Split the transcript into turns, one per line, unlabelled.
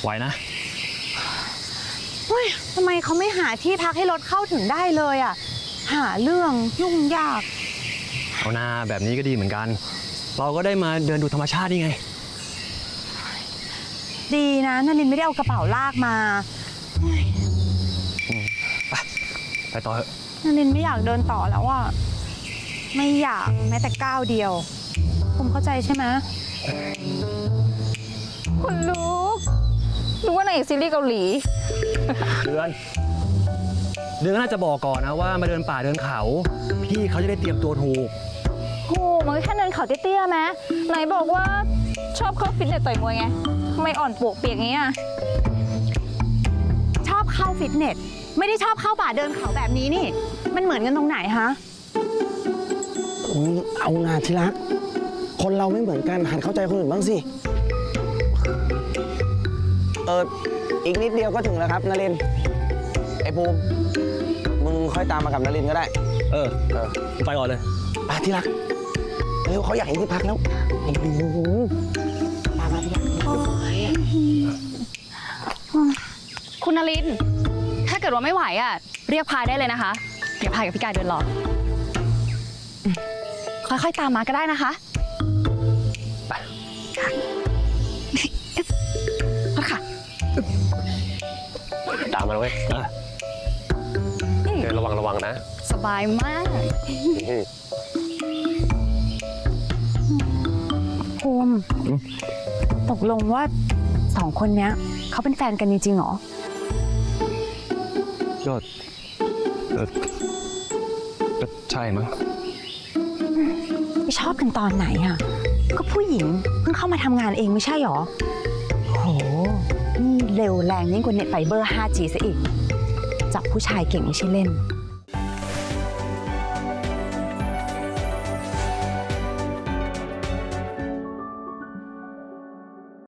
ไหวนะ
เฮ้ยทำไมเขาไม่หาที่พักให้รถเข้าถึงได้เลยอ่ะหาเรื่องยุ่งยาก
เอาหน้าแบบนี้ก็ดีเหมือนกัน เราก็ได้มาเดินดูธรรมชาตินี่ไง
ดีนะนลินไม่ได้เอากระเป๋าลากมา
ไปต่อเถอะ
นลินไม่อยากเดินต่อแล้วอ่ะไม่อยากแม้แต่ก้าวเดียวผมเข้าใจใช่ไหม
คุณลูกรู้ว่านางเอกซีรีส์เกาหลี
เดือนก็น่าจะบอกก่อนนะว่ามาเดินป่าเดินเขาพี่เขาจะได้เตรียมตัวถูก
โหมันก็แค่เดินเขาเตี้ยๆไหมไหนบอกว่าชอบเข้าฟิตเนสต่อยมวยไงทำไมอ่อนปวกเปียกงี้อ่ะ
ชอบเข้าฟิตเนสไม่ได้ชอบเข้าป่าเดินเขาแบบนี้นี่มันเหมือนกันตรงไหนฮะ
เอางานที่รักคนเราไม่เหมือนกันหัดเข้าใจคนอื่นบ้างสิอีกนิดเดียวก็ถึงแล้วครับนรินทร์ไอ้ภูมิมึงค่อยตามมากับนรินทร์ก็ได้
ไปก่อนเลย
ไปที่รักเร็วเขาอยากเห็นที่พักแล้วไอ้ภูมิมาที่รัก
คุณนรินทร์ถ้าเกิดว่าไม่ไหวอ่ะเรียกพายได้เลยนะคะเดี๋ยวพายกับพี่กายเดินรอค่อยๆตามมาก็ได้นะคะ
ไป
ค่ะ
ตามมาเลยเดินระวังนะ
สบายมาก
ภูมิตกลงว่า2 คนเนี้ยเขาเป็นแฟนกันจริงๆหรอ
ก็ใช่มั้ง
ไม่ชอบกันตอนไหนอ่ะก็ผู้หญิงเพิ่งเข้ามาทำงานเองไม่ใช่หรอโหนี่เร็วแรงยิ่งกว่าเน็ตไฟเบอร์ 5G ซะอีกจับผู้ชายเก่งไม่ใช่เล่น